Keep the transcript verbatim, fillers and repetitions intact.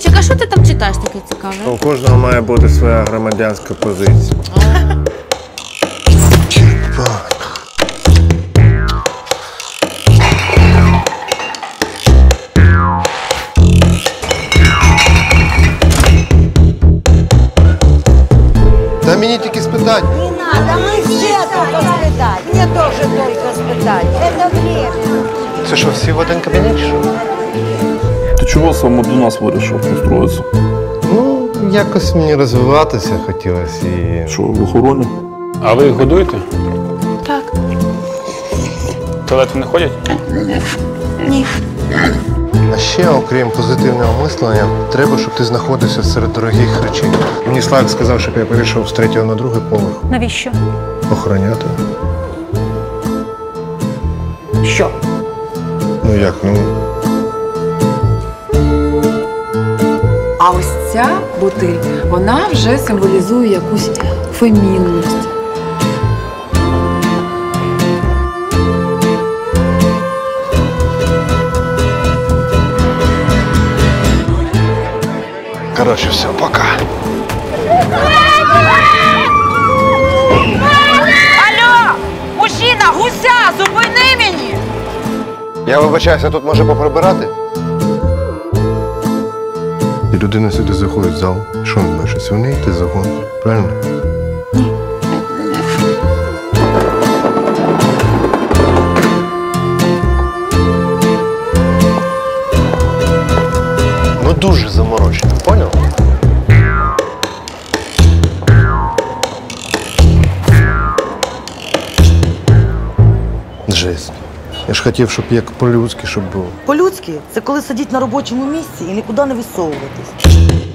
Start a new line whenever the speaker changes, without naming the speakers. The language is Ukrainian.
Юрчик, а що ти там читаєш таке цікаве?
У кожного має бути своя громадянська позиція.
Та мені тільки спитати.
Не надо, мы все только спитать. Мне тоже только спитать. Это время.
Це що, всі в один кабінет, чи що?
Ти чого саме до нас вирішив устроїтися?
Ну, якось мені розвиватися хотілося і...
Що, в охороні?
А ви їх годуєте?
Так.
В туалет не ходять?
Ні.
А ще, окрім позитивного мислення, треба, щоб ти знаходився серед дорогих речей. Мені Славік сказав, щоб я перейшов з третього на другий поверх.
Навіщо?
Охороняти.
Що?
Ну як, ну...
А ось ця бутиль, вона вже символізує якусь фемінність.
Коротше, все, пока.
Алло! Мужчина, гуся, зупини мені!
Я вибачаюся, тут може поприбирати? І людина сюди заходить в зал. Що він бачить? Свиней йти загон. Правильно? Ну дуже заморочено, поняв? Жесть. Я ж хотів, щоб як по-людськи, щоб було.
По-людськи – це коли сидіть на робочому місці і нікуди не висовуватись.